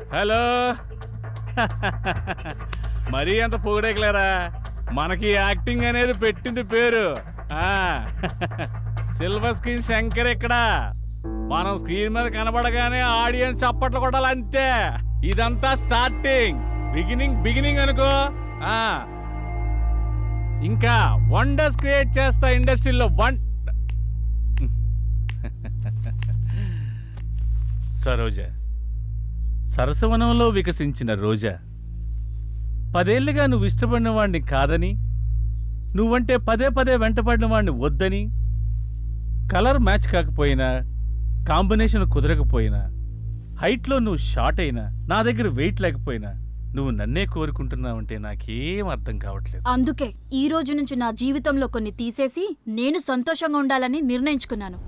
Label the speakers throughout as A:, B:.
A: Hello. మరీ అంత పొగిడేకలేరా, మనకి యాక్టింగ్ అనేది పెట్టింది పేరు. సిల్వర్ స్క్రీన్ శంకర్ ఇక్కడ. మనం స్క్రీన్ మీద కనబడగానే ఆడియన్స్ చప్పట్లు కొట్టాలి అంతే. ఇదంతా స్టార్టింగ్, బిగినింగ్ అనుకో. ఇంకా వండర్స్ క్రియేట్ చేస్తా ఇండస్ట్రీలో. సరోజ, సరసవనంలో వికసించిన రోజా, 10 ఏళ్లుగా నువ్వు ఇష్టపడిన వాడిని కాదని, నువ్వంటే పదే వెంటపడిన వాడిని వద్దని, కలర్ మ్యాచ్ కాకపోయినా, కాంబినేషన్ కుదరకపోయినా, హైట్లో నువ్వు షార్ట్ అయినా, నా దగ్గర వెయిట్ లేకపోయినా, నువ్వు నన్నే కోరుకుంటున్నావంటే నాకేం అర్థం కావట్లేదు.
B: అందుకే ఈ రోజు నుంచి నా జీవితంలో కొన్ని తీసేసి నేను సంతోషంగా ఉండాలని నిర్ణయించుకున్నాను.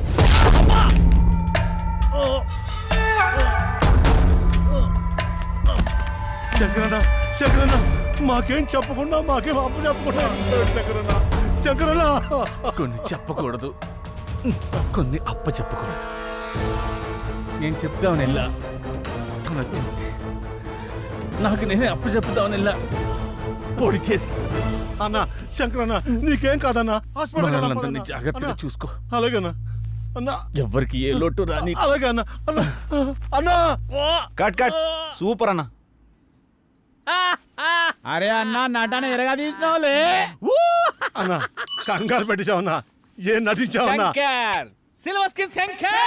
C: శంకరన్న, మాకేం చెప్పకుండా, మాకేం అప్పు చెప్పకుండా. శంకరన్న,
A: కొన్ని చెప్పకూడదు, కొన్ని అప్ప చెప్పకూడదు. నేను చెప్తామని వెళ్ళా, తను వచ్చింది. నాకు నేనే అప్పు చెప్తామని వెళ్ళా, పొడి చేసి.
C: అన్నా శంకరన్న, నీకేం కాదన్నా.
A: హాస్పిటల్ జాగ్రత్తగా చూసుకో.
C: అలాగేనా అన్నా?
A: ఎవ్వరికి ఏ లోటు రాని.
C: అలాగే అన్నా. అన్నా
D: కట్ సూపర్ అన్న.
E: అరే అన్నా, నటన ఎరగా తీసినావులే
C: అన్నా. కంగారు పెట్టించావన్నా, ఏం నటించావన్నా?
A: Silver screen Shankar.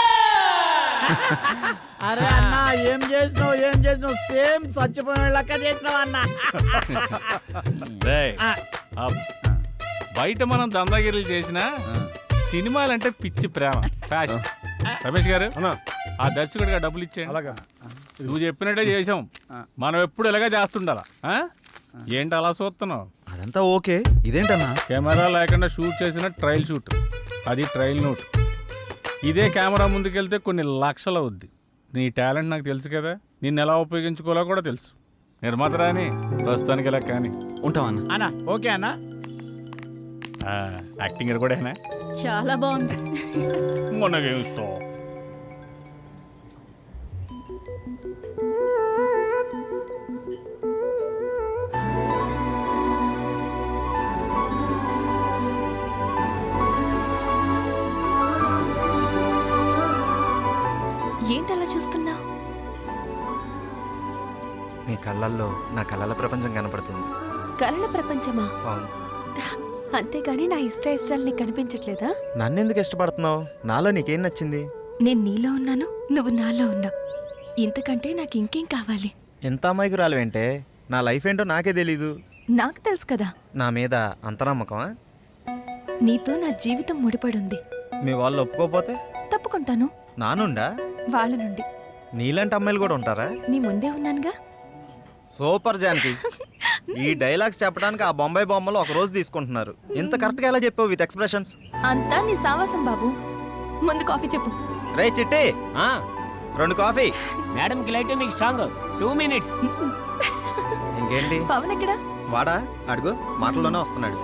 E: అరే అన్నా, ఏం చేసినావు? సేమ్ చచ్చిపోయిన లెక్క చేసినావు అన్నా.
A: బయట మనం దందాగిరీలు చేసిన సినిమాలంటే పిచ్చి ప్రేమ, ఫ్యాషన్. రమేష్ గారు, ఆ దర్శకుడిగా డబ్బులు ఇచ్చేయండి.
C: అలాగా
A: నువ్వు చెప్పినట్టే చేసాం. మనం ఎప్పుడు ఇలాగే చేస్తుండాలా? ఏంటి అలా చూస్తున్నావు?
D: అదంతా ఓకే, ఇదేంటన్నా?
A: కెమెరా లేకుండా షూట్ చేసిన ట్రయల్ షూట్, అది ట్రయల్ నోట్. ఇదే కెమెరా ముందుకెళ్తే కొన్ని లక్షలు అవుద్ది. నీ టాలెంట్ నాకు తెలుసు కదా, నిన్ను ఎలా ఉపయోగించుకోవాలో కూడా తెలుసు. నిర్మాత రాని ప్రస్తుతానికి ఇలా కానీ
D: ఉంటావన్నా.
E: అన్నా ఓకే అన్నా.
A: యాక్టింగ్ కూడా
B: చాలా బాగుంది.
A: మనకేమిస్తావు?
F: ఏంటలా చూస్తున్నావు?
G: నీ కళ్ళల్లో నా కళల ప్రపంచం కనపడుతుంది.
F: కలల ప్రపంచమా?
G: అవును.
F: అంతేగాని నా ఇష్టాలు నీకు కనిపించట్లేదా?
G: నన్నెందుకు ఇష్టపడుతున్నావు? నాలో నీకేం నచ్చింది?
F: నేను నీలో ఉన్నాను, నువ్వు నాలో ఉన్నావు. ఇంతకంటే నాకు ఇంకేం కావాలి?
G: ఎంత అమాయకురాలు ఏంటే? నా లైఫ్ ఏంటో నాకే తెలీదు.
F: నాకు తెలుసు కదా.
G: నా మీద అంత నమ్మకమా?
F: నీతో నా జీవితం ముడిపడుంది.
G: మీ వాళ్ళు ఒప్పుకోపోతే?
F: తప్పుకుంటాను.
G: నానుండా?
F: వాళ్ళ నుండి.
G: నీలాంటి అమ్మాయిలు కూడా ఉంటారా?
F: నీ ముందే ఉన్నానుగా.
G: సూపర్ జానకి. ఈ డైలాగ్స్ చెప్పడానికి ఆ బొంబాయి బొమ్మలు ఒక రోజు తీసుకుంటున్నారు. ఇంత కరెక్ట్గా ఎలా చెప్పావు విత్ ఎక్స్ప్రెషన్స్?
F: అంతా నీ సావాసం బాబు. ముందు కాఫీ చెప్పు.
G: రే చిట్టి, 2 కాఫీ.
H: మేడం కి లైట్ మీకు స్ట్రాంగ్. 2 minutes.
G: ఇంకేంటి?
F: పవన్ ఎక్కడా?
G: వాడా? అడుగు, మాటల్లోనే వస్తున్నాడు.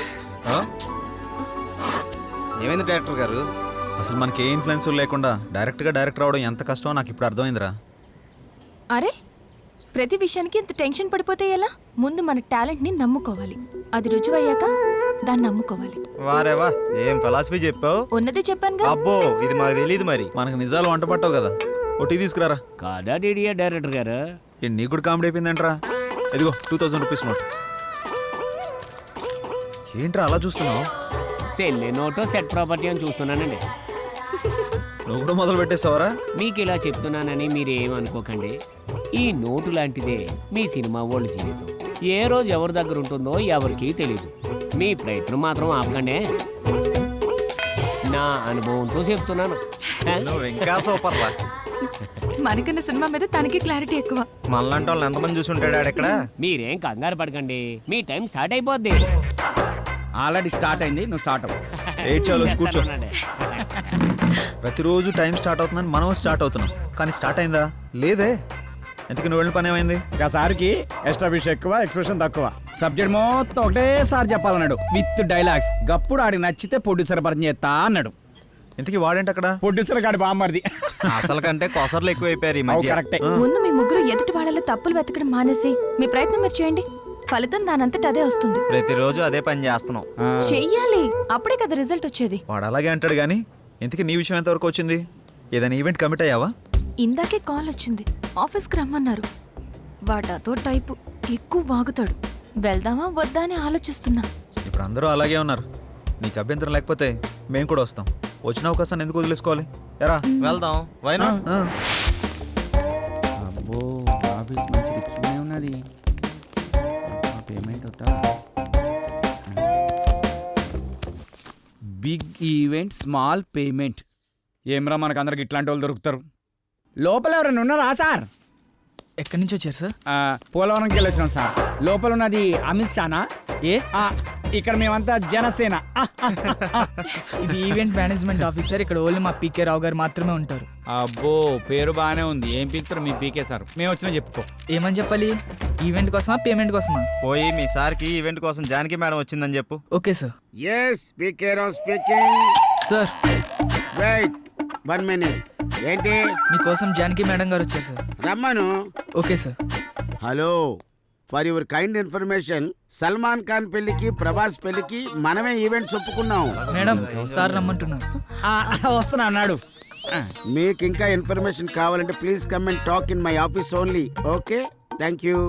G: ఏమైంది డైరెక్టర్ గారు?
D: అసలు మనకి ఏ ఇన్ఫ్లుయెన్స్ లేకుండా డైరెక్టర్ అవడం ఎంత కష్టమో నాకు ఇప్పుడు అర్థమైందిరా.
F: అరే, ప్రతి విషయానికి ఇంత టెన్షన్ పడిపోతే ఎలా? ముందు మన టాలెంట్ని నమ్ముకోవాలి. అది రుజువయ్యాక దాన్ని నమ్ముకోవాలి.
G: వారేవా, ఏం ఫిలాసఫీ చెప్పావు?
F: ఉన్నదే చెప్పానుగా.
G: అబ్బో, ఇది మాకు తెలియదు. మరి
D: మనకు నిజాలు వంట పట్టవు కదా. ఓ టీ తీసుకురారా.
H: కాదా డీడీఏ డైరెక్టర్ గారు?
D: నీకు కూడా కామెడీ అయిపోయిందంటరా. ఇదిగో 2000 రూపీస్ నోట్. ఏంట్రా అలా చూస్తున్నావు?
H: సెల్లే నోటో సెట్ ప్రాపర్టీ అని చూస్తున్నానండి.
D: నువ్వు కూడా మొదలు పెట్టేస్తావరా?
H: మీకు ఇలా చెప్తున్నానని మీరు ఏమనుకోకండి. ఈ నోటు లాంటిదే మీ సినిమా వాళ్ళ జీవితం. ఏ రోజు ఎవరి దగ్గర ఉంటుందో ఎవరికీ తెలియదు. మీ ప్రయత్నం మాత్రం ఆపకండి. నా అనుభవంతో చెప్తున్నాను.
G: ఇంకా సూపర్ రా.
F: మనకన్నా సినిమా మీద తనకి క్లారిటీ ఎక్కువ.
G: మనలాంటి వాళ్ళు ఎంతమంది చూసి ఉంటాడు ఆడెక్కడ?
H: మీరేం కంగారు పడకండి, మీ టైం స్టార్ట్ అయిపోద్ది.
E: ఆల్రెడీ స్టార్ట్ అయింది, నువ్వు స్టార్ట్ అవ్వు.
D: చాలు కూర్చో. ప్రతిరోజు టైం స్టార్ట్ అవుతుందని మనం స్టార్ట్ అవుతున్నాం, కానీ స్టార్ట్ అయిందా? లేదే. ఎందుకు నువ్వు వెళ్ళిన పని ఏమైంది?
E: ఒకసారికి ఎస్టాబ్లిష్ ఎక్కువ, ఎక్స్ప్రెషన్ తక్కువ. సబ్జెక్ట్ మొత్తం ఒకటేసారి చెప్పాలన్నాడు విత్ డైలాగ్స్. గప్పుడు ఆడికి నచ్చితే ప్రొడ్యూసర్ పరిచయం చేస్తా అన్నాడు.
D: ఇంతకీ వాడేంటి అక్కడ?
E: ప్రొడ్యూసర్ గాడి బామ్మర్ది.
G: అసలు కంటే కొసర్లు ఎక్కువైపోయారు ఈ మధ్య.
E: కరెక్టే.
F: ముందు మీ ముగ్గురు ఎదుటి వాళ్ళలో తప్పులు వెతకడం మానేసి మీ ప్రయత్నం మీరు చేయండి. ఫలితం దానంతట అదే వస్తుంది.
G: ప్రతిరోజు అదే పని చేస్తున్నాం.
F: చెయ్యాలి, అప్పుడే కదా రిజల్ట్ వచ్చేది.
D: వాడు అలాగే అంటాడు కానీ ఇంతకీ నీ విషయం ఎంతవరకు వచ్చింది? ఏదైనా ఈవెంట్ కమిట్ అయ్యావా?
F: ఇందాకే కాల్ వచ్చింది, ఆఫీస్కి రమ్మన్నారు. వాడతో టైపు ఎక్కువ వాగుతాడు. వెళ్దామా వద్దా అని ఆలోచిస్తున్నా.
D: ఇప్పుడు అందరూ అలాగే ఉన్నారు. నీకు అభ్యంతరం లేకపోతే మేము కూడా వస్తాం. వచ్చిన అవకాశాన్ని ఎందుకు వదిలేసుకోవాలి? ఎరా
G: వెళ్దాం. వైనా
D: ఆ.
E: అబ్బో ఆఫీస్ మంచి రిచ్గానే ఉన్నది. పేమెంట్ అవుతా. Big event small payment. ఏమ్రా మనకు అందరికి ఇట్లాంటి వాళ్ళు దొరుకుతారు. లోపల ఎవరైనా ఉన్నారా సార్?
I: ఎక్కడి నుంచి వచ్చారు సార్?
E: పోలవరంకి వెళ్ళొచ్చినాం సార్. లోపల ఉన్నది అమిత్ షానా?
I: ఏ
E: ఇక్కడ మేమంతా జనసేన.
I: ఇది ఈవెంట్ మేనేజ్మెంట్ ఆఫీసర్. ఇక్కడ ఓన్లీ మా పీకే రావు గారు మాత్రమే ఉంటారు.
E: అబ్బో పేరు బాగానే ఉంది. ఏం పీకుతారు మీ పీకే సార్? మేము వచ్చినా చెప్పుకో.
I: ఏమని చెప్పాలి? ఈవెంట్ కోసమా పేమెంట్ కోసమా?
G: పోయి మీ సార్కి ఈవెంట్ కోసం జానకి మేడం వచ్చిందని చెప్పు.
I: Okay sir.
J: Yes PK Rao speaking.
I: Sir
J: wait 1 minute. ఏంటి?
I: మీకోసం జానకి మేడం గారు వచ్చారు సార్.
J: రమ్మను.
I: Okay sir.
J: Hello, for your kind information, Salman Khan పెళ్లికి ప్రభాస్ పెళ్లికి మనమే ఈవెంట్స్ ఒప్పుకున్నాం.
I: మేడం సార్ రమ్మంటున్నారు.
E: వస్తున్నా అన్నాడు.
J: మీకు ఇంకా ఇన్ఫర్మేషన్ కావాలంటే please come and talk in my office only. Okay, thank you.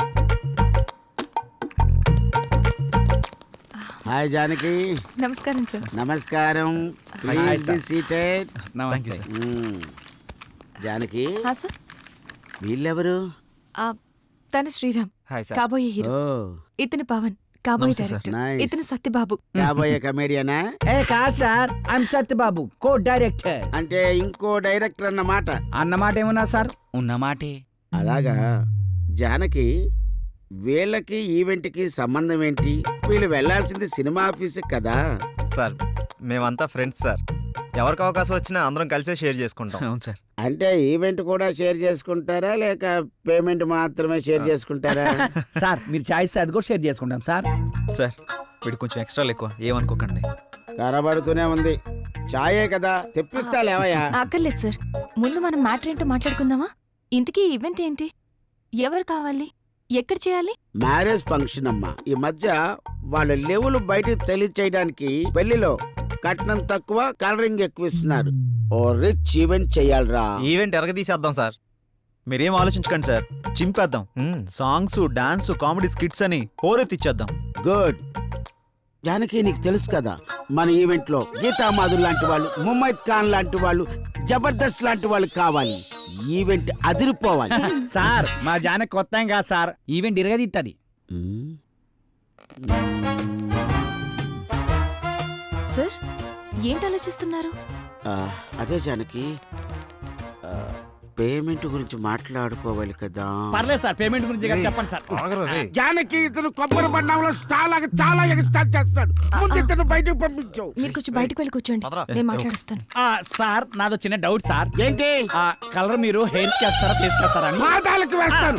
J: Hi Janaki.
F: నమస్కారం సార్.
J: నమస్కారం. Please be seated.
E: నమస్తే.
J: జానకి,
F: హా సార్.
J: వీళ్ళెవరు?
F: తన శ్రీరామ్,
G: హాయ్ సార్.
F: కాబోయే హీరో.
J: ఓ,
F: ఇతను పవన్, కాబోయే
D: నమస్తే సార్.
F: డైరెక్టర్.
J: Nice.
F: ఇతను సత్యబాబు.
J: కాబోయే కమేడియనా?
E: ఏ కాదు sir, I'm Satyababu, co director.
J: అంటే ఇంకో డైరెక్టర్ అన్నమాట.
E: అన్నమాట ఏమన్నా సార్? ఉన్నమాటే.
J: అలాగా. జానకి, వీళ్ళకి ఈవెంట్కి సంబంధం ఏంటి? వీళ్ళు వెళ్ళాల్సింది సినిమా ఆఫీస్కి కదా.
G: సార్ మేమంతా ఫ్రెండ్స్ సార్. ఎవరికి అవకాశం వచ్చినా అందరం కలిసే షేర్ చేసుకుంటాం.
D: అవును సార్.
J: అంటే ఈవెంట్ కూడా షేర్ చేసుకుంటారా లేక పేమెంట్ మాత్రమే షేర్ చేసుకుంటారా?
E: సార్ మీరు చాయిస్ అది కూడా షేర్ చేసుకుంటాం సార్.
D: సార్ వీడు కొంచెం ఎక్స్ట్రాలు ఎక్కువ, ఏమనుకోకండి.
J: కనబడుతూనే ఉంది. చాయే కదా, తెప్పిస్తా లేవయ్యా.
F: అక్కర్లేదు సార్, ముందు మనం మ్యాటర్ ఏంటో మాట్లాడుకుందామా? ఇంతకీ ఈవెంట్ ఏంటి? ఎవరు కావాలి? ఎక్కడ చేయాలి?
J: మ్యారేజ్ ఫంక్షన్ అమ్మా. ఈ మధ్య వాళ్ళ లెవెల్ బయటకు తెలియచేయడానికి పెళ్లిలో కట్నం తక్కువ, కలరింగ్ ఎక్కువ ఇస్తున్నారు. ఓ రిచ్ ఈవెంట్ చెయ్యాలరా.
G: ఈవెంట్ ఎరగదీసేద్దాం సార్.
D: మీరేం ఆలోచించకండి సార్, చింపేద్దాం. సాంగ్స్, డాన్స్, కామెడీ స్కిట్స్ అని హోరెత్తిచ్చేద్దాం.
J: గుడ్. జానకి, నీకు తెలుసు కదా మన ఈవెంట్ లో గీతామాధుర్ లాంటి వాళ్ళు, ముమైత్ ఖాన్ లాంటి వాళ్ళు, జబర్దస్త్ లాంటి వాళ్ళు కావాలి. ఈవెంట్ అదిరిపోవాలి.
E: సార్ మా జాన కొత్త ఏం కాదు సార్, ఈవెంట్ ఇరగదిత్తది.
F: సార్ ఏంటి ఆలోచిస్తున్నారు?
J: అదే జానకి, పేమెంట్ గురించి మాట్లాడుకోవాలి కదా.
E: పర్లేదు సార్, పేమెంట్ గురించి కదా చెప్పండి సార్.
J: జానకి, ఇతను కొబ్బరి బండంలో చాలా ఎగస్ట్రాల్ చేస్తాడు. ముందు ఇతను బయటకు పంపించు.
F: మీరు కొంచెం బయటకు వెళ్ళి కూర్చోండి, నేను మాట్లాడుస్తాను.
E: సార్ నాదో చిన్న డౌట్ సార్.
J: ఏంటి?
E: కలర్ మీరు హెయిర్ కి వేస్తారా, ఫేస్ కి వేస్తారా అని.
J: పాదాలకు వేస్తాను.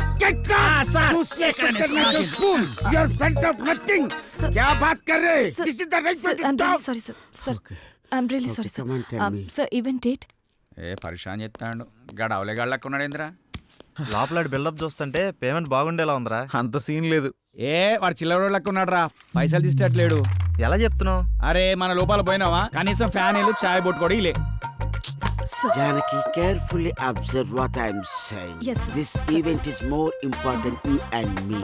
F: Sorry sir. Sir I'm really sorry sir. Sir event date?
E: ఏ పరిశాన్ చెప్తాడు గడవలే గళ్ళకున్నాడు ఏంద్రా.
G: లోపల బిల్డప్ చూస్తుంటే పేమెంట్ బాగుండేలా ఉందిరా.
D: అంత సీన్ లేదు.
E: ఏ వాడు చిల్లర లెక్కున్నాడు రా, పైసలు తీసేటట్లేడు.
G: ఎలా చెప్తున్నావు?
E: అరే మన లోపల పోయినావా, కనీసం ఫ్యాన్ ఇల్లు చాయ్ బొట్టు కూడా ఇలే.
J: Janaki, carefully observe what I am saying.
F: Yes, sir.
J: This
F: Sir.
J: event is more important you and me.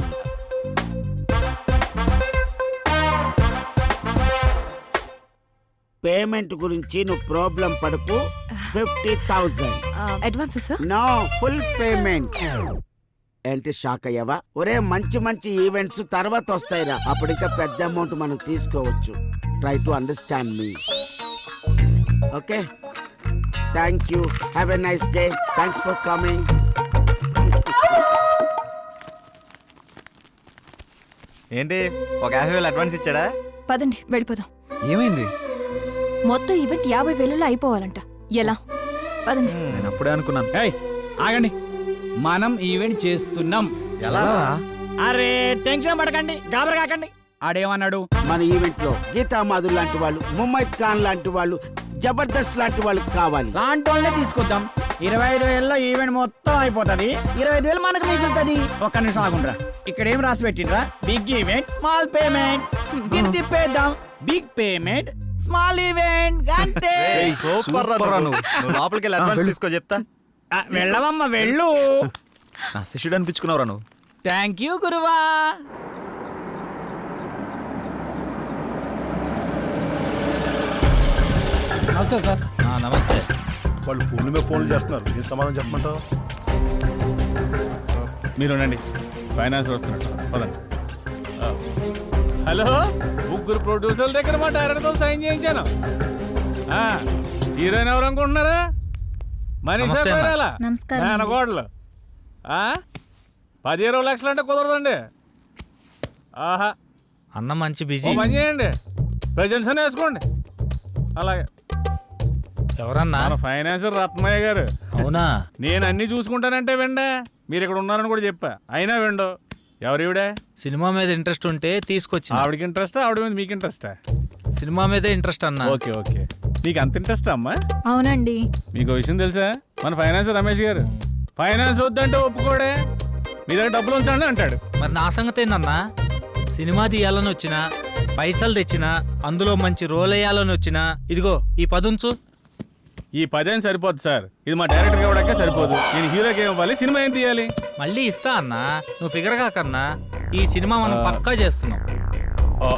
J: Payment గురించి నువ్వు ప్రాబ్లం పడకు. 50,000.
F: Advance sir?
J: No, full payment. ఏంటి షాక్ అయ్యావా? ఒరే మంచి ఈవెంట్స్ తర్వాత వస్తాయిరా, అప్పుడు ఇంకా పెద్ద అమౌంట్ మనం తీసుకోవచ్చు. Try to understand me. Okay, thank you. Have a nice day. Thanks for coming.
G: ఏంటి ఒక 50,000 అడ్వాన్స్ ఇచ్చాడా?
F: పదండి వెళ్ళిపోదాం.
D: ఏమైంది?
F: మొత్తం ఈవెంట్ 50,000లో అయిపోవాలంట. ఎలా? పదండి.
D: నేను అప్పుడే అనుకున్నాను.
E: ఏయ్ ఆగండి, మనం ఈవెంట్ చేస్తున్నాం.
G: ఎలా?
E: అరే టెన్షన్ పడకండి, గాబర కాకండి. ఆడేమన్నాడు?
J: మన ఈవెంట్ లో గీతామాధుర్ లాంటి వాళ్ళు, ముమైత్ ఖాన్ లాంటి వాళ్ళు, జబర్దస్త్ లాంటి వాళ్ళు కావాలి.
E: లాంటి వాళ్ళనే తీసుకొద్దాం. 25,000లో ఈవెంట్ మొత్తం అయిపోతుంది. 25,000 మనకు మిగులుతుంది. ఒక్క నిమిషం ఆగుండ్రా. ఇక్కడ ఏం రాసి పెట్టిండ్రా? Big event small payment. దీన్ని తిప్పేద్దాం. బిగ్ పేమెంట్ స్మాల్ ఈవెంట్ అంతే.
G: సూపర్ రా నువ్వు. లోపలికి వెళ్ళి అడ్వాన్స్ తీసుకో చెప్తా.
E: వెళ్ళవమ్మ వెళ్ళు.
D: నా శిష్యుడు అనిపించుకున్నావురా నువ్వు.
E: థ్యాంక్ యూ గురువా.
C: నమస్తే సార్.
D: నమస్తే.
C: వాళ్ళు ఫోన్ల మీద ఫోన్లు చేస్తున్నారు, ఏం సమాధానం చెప్పమంటావు?
A: మీరు ఉండండి, ఫైనాన్స్ వస్తున్నట్టు పదండి. హలో, ముగ్గురు ప్రొడ్యూసర్ల దగ్గర మా డైరెక్టర్తో సైన్ చేయించాను. హీరోయిన్ ఎవరు అనుకుంటున్నారా? మనీషా కొయిరాలా,
B: నమస్కారం.
A: మేనకోడలు. 10-20 లక్షలు అంటే కుదరదండి. ఆహా,
K: అన్న మంచి
A: ఓ
K: బిజీ.
A: పని చేయండి, ప్రజెంట్స్ అని వేసుకోండి. అలాగే.
K: ఎవరన్నా?
A: మన ఫైనాన్సర్ రత్నయ్య గారు.
K: అవునా?
A: నేను అన్ని చూసుకుంటానంటే వెండే, మీరు ఇక్కడ ఉన్నారని కూడా చెప్పా, అయినా వెండు. ఎవరివిడే?
K: సినిమా మీద ఇంట్రెస్ట్ ఉంటే తీసుకొచ్చి.
A: ఆవిడకి ఇంట్రెస్టా, ఆవిడ మీద మీకు ఇంట్రెస్టా?
K: సినిమా మీదే ఇంట్రెస్ట్ అన్న.
A: ఓకే ఓకే, మీకు అంత ఇంట్రెస్టా అమ్మా?
B: అవునండి.
A: మీకు విషయం తెలుసా, మన ఫైనాన్సర్ రమేష్ గారు ఫైనాన్స్ వద్దంటే ఒప్పుకోడే, మీ దగ్గర డబ్బులు ఉంచండి అంటాడు.
K: మరి నా సంగతి ఏందన్నా? సినిమా తీయాలని వచ్చినా, పైసలు తెచ్చినా, అందులో మంచి రోల్ వేయాలని వచ్చినా, ఇదిగో ఈ పదుంచు.
A: ఈ 10 సరిపోదు సార్, ఇది మా డైరెక్టర్ ఇవ్వడానికే సరిపోదు. నేను హీరోకి ఏం ఇవ్వాలి, సినిమా ఏం తీయాలి?
K: మళ్ళీ ఇస్తా అన్నా, నువ్వు ఫిగర్ కాకన్నా. ఈ సినిమా మనం పక్కా చేస్తున్నాం.
A: ఓ,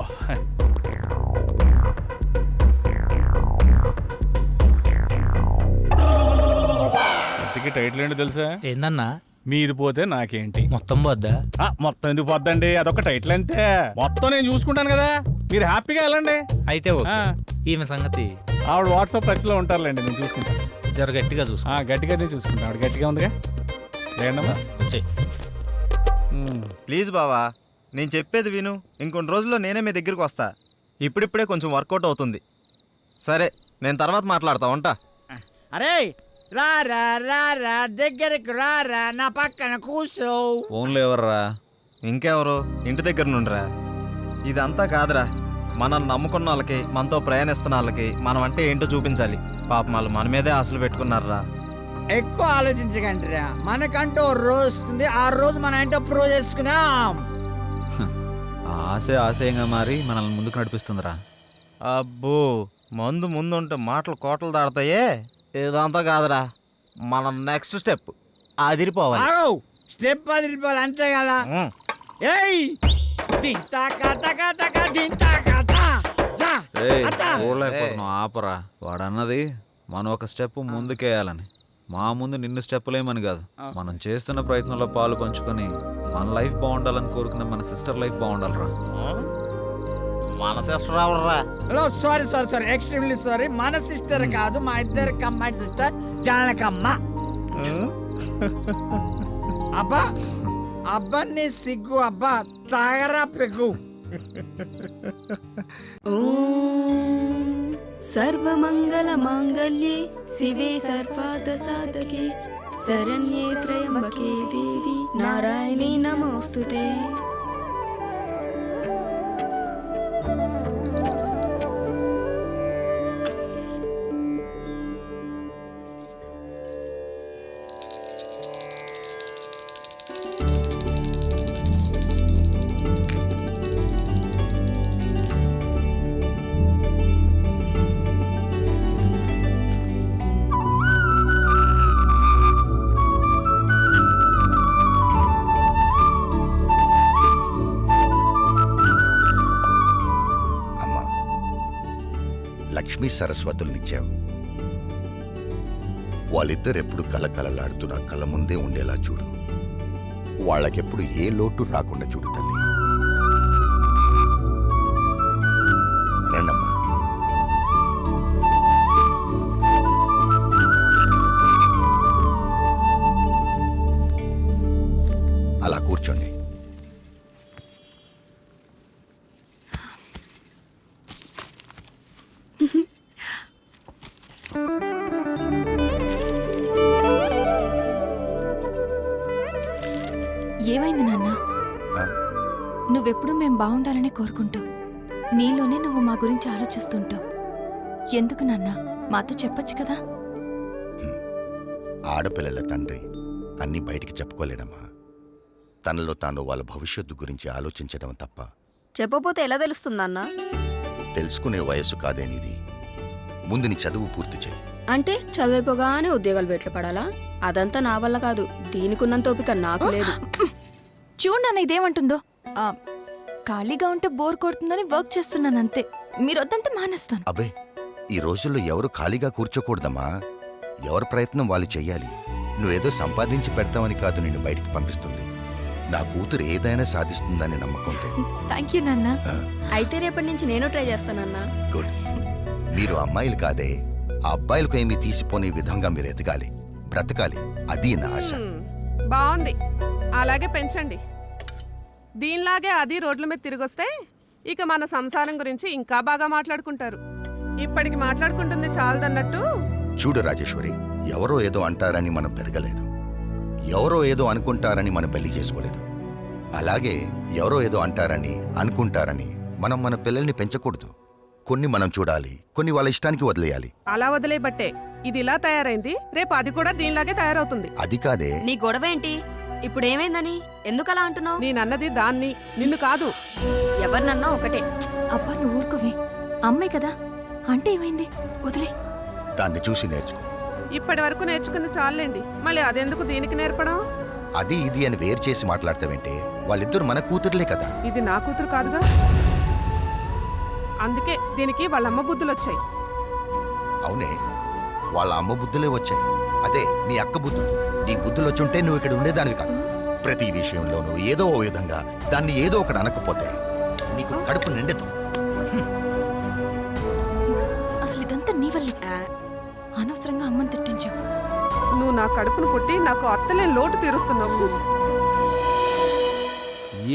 A: ఇంతకీ టైటిల్ ఏంటో తెలుసా?
K: ఏందన్నా?
A: మీది పోతే నాకేంటి.
K: మొత్తం వద్దా?
A: మొత్తం ఎందుకు పోద్దండి, అదొక టైటిల్ అంతే. మొత్తం నేను చూసుకుంటాను కదా, మీరు హ్యాపీగా వెళ్ళండి.
K: అయితే ఓకే. ఈమె సంగతి
A: ఆవిడ వాట్సాప్ టచ్లో ఉంటారులేండి, నేను చూసుకుంటాను.
K: జర గట్టిగా చూసుకో.
A: గట్టిగానే చూసుకుంటాను, ఆవిడ గట్టిగా ఉందిగా. లేదమ్మా,
K: వచ్చేయ్.
G: ప్లీజ్ బావా, నేను చెప్పేది విను. ఇంకొన్ని రోజుల్లో నేనే మీ దగ్గరికి వస్తా. ఇప్పుడిప్పుడే కొంచెం వర్కౌట్ అవుతుంది. సరే, నేను తర్వాత మాట్లాడతా, ఉంటా.
E: అరే రా రా రా రా, దగ్గరకు రా రా, నా పక్కన కూర్చో.
D: ఫోన్లో ఎవర్రా?
G: ఇంకెవరు, ఇంటి దగ్గర నుండిరా. ఇదంతా కాదురా, మనం నమ్ముకున్న వాళ్ళకి, మనతో ప్రయాణిస్తున్న వాళ్ళకి మనం అంటే ఏంటో చూపించాలి. పాపం వాళ్ళు మన మీదే ఆశలు పెట్టుకున్నారా.
E: ఎక్కువ ఆలోచించకండి రా, మనకంటూ రోజు వస్తుంది. ఆ రోజు మనం ఏంటో ప్రూవ్ చేసుకుందాం.
D: ఆశయంగా మారి మనల్ని ముందుకు నడిపిస్తుందిరా.
G: అబ్బో, మందు ముందుంటే మాటలు కోటలు దాడతాయే. ఇదంతా కాదురా, మన నెక్స్ట్ స్టెప్ అదిరిపోవాలి.
E: స్టెప్ అదిరిపోవాలి అంతే కదా. ఏయ్
D: చూడలేకపోతున్నావు, ఆపరా. వాడన్నది మనం ఒక స్టెప్ ముందుకేయాలని. మా ముందు నిన్ను స్టెప్పులేమని కాదు, మనం చేస్తున్న ప్రయత్నంలో పాలు పంచుకొని మన లైఫ్ బాగుండాలని కోరుకునే మన సిస్టర్ లైఫ్ బాగుండాలరా.
G: మన సిస్టర్ ఎవర్రా?
E: Hello, sorry sorry sorry, extremely sorry. మన సిస్టర్ కాదు, మా ఇద్దరు కమ్మాయి సిస్టర్ జానకమ్మ. అబ్బా అబ్బా, నీ సిగ్గు అబ్బా, తాగరా పెగ్గు.
F: సర్వమంగళ మాంగళ్యే శివే సర్వార్థ సాధకే శరణ్యే త్రయంబకే దేవి నారాయణీ నమోస్తుతే.
L: లక్ష్మీ సరస్వతుల్నిచ్చావు. వాళ్ళిద్దరెప్పుడు కలకలలాడుతూ నా కళ్ళ ముందే ఉండేలా చూడు. వాళ్ళకెప్పుడు ఏ లోటు రాకుండా చూడు తల్లి. రండమ్మా. అలా కూర్చోండి.
F: ఏమైంది నాన్న? నువ్వెప్పుడు మేం బాగుండాలని కోరుకుంటావు. నీలోనే నువ్వు మా గురించి ఆలోచిస్తుంటావు. ఎందుకు నాన్న మాతో చెప్పొచ్చు కదా.
L: ఆడపిల్లల తండ్రి అన్నీ బయటికి చెప్పుకోలేడమ్మా. తనలో తాను వాళ్ళ భవిష్యత్తు గురించి ఆలోచించడం తప్ప.
B: చెప్పపోతే ఎలా తెలుస్తుందన్నా?
L: తెలుసుకునే వయస్సు కాదేనిది. ముందు నీ చదువు పూర్తి చేయి.
B: అంటే చదివిపోగానే ఉద్యోగాలు వెట్లు పడాలా? అదంతా నా వల్ల కాదు. దీనికున్నంత ఓపిక నాకు లేదు.
F: చూడు నాన్న ఇదేమంటుందో. ఖాళీగా ఉంటే బోర్ కొడుతుందని వర్క్ చేస్తున్నాను అంతే. మీరు వద్దంటే మానేస్తాను.
L: అబ్బే, ఈ రోజుల్లో ఎవరు ఖాళీగా కూర్చోకూడదమ్మా. ఎవరి ప్రయత్నం వాళ్ళు చెయ్యాలి. నువ్వేదో సంపాదించి పెడతావని కాదు నిన్ను బయటికి పంపిస్తుంది. నా కూతురు ఏదైనా సాధిస్తుందని నమ్మకంతో.
F: థ్యాంక్ యూ నాన్న.
B: అయితే రేపటి నుంచి నేను ట్రై చేస్తానన్నా.
L: గుడ్. మీరు అమ్మాయిలు కాదే, ఆ అబ్బాయిలకు ఏమీ తీసిపోని విధంగా మీరు ఎదగాలి, బ్రతకాలి. అది నా ఆశ.
M: బాగుంది, అలాగే పెంచండి. దీనిలాగే అది రోడ్ల మీద తిరిగొస్తే ఇక మన సంసారం గురించి ఇంకా బాగా మాట్లాడుకుంటారు. ఇప్పటికి మాట్లాడుకుంటుంది చాలదన్నట్టు.
L: చూడు రాజేశ్వరి, ఎవరో ఏదో అంటారని మనం పెరగలేదు. ఎవరో ఏదో అనుకుంటారని మనం పెళ్లి చేసుకోలేదు. అలాగే ఎవరో ఏదో అంటారని అనుకుంటారని మనం మన పిల్లల్ని పెంచకూడదు. కొన్ని మనం చూడాలి, కొన్ని వాళ్ళ ఇష్టానికి వదిలేయాలి.
M: అలా వదిలేబట్టే ఇది ఇలా తయారైంది. రేపు అది కూడా దీనిలాగే తయారవుతుంది.
L: అది కాదే.
B: నీ గొడవ ఏంటి? ఇప్పుడు ఏమైందని ఎందుకలా అంటున్నావు?
M: నేనన్నది దాన్ని, నిన్ను కాదు.
B: ఎవరినన్నా ఒకటే.
F: అబ్బా నువ్వు ఊరుకోవే. అమ్మాయి కదా అంటే ఏమైంది, వదిలే.
L: దాన్ని చూసి నేర్చుకో.
M: ఇప్పటి వరకు నేర్చుకుంది చాలండి, మళ్ళీ అదెందుకు దీనికి నేర్పడం?
L: అది ఇది అని వేరు చేసి మాట్లాడతావంటే వాళ్ళిద్దరు మన కూతురులే కదా.
M: ఇది నా కూతురు కాదుగా. అందుకే దీనికి వాళ్ళమ్మ బుద్ధులు వచ్చాయి.
L: అవునే, వాళ్ళ అమ్మ బుద్ధులే వచ్చాయి. అదే నీ అక్క బుద్ధులు. నీ బుద్ధులు వచ్చుంటే నువ్వు ఇక్కడ ఉండేదానివి కాదు. ప్రతి విషయంలోనూ ఏదో ఓ విధంగా దాన్ని ఏదో ఒకటి అనకపోతే నీకు కడుపు నిండదు.
F: అసలు ఇదంతా నీ వల్లే. అనవసరంగా అమ్మని తిట్టించావు.
M: నువ్వు నా కడుపును పుట్టి నాకు అత్తలే లోటు తీరుస్తున్నావు.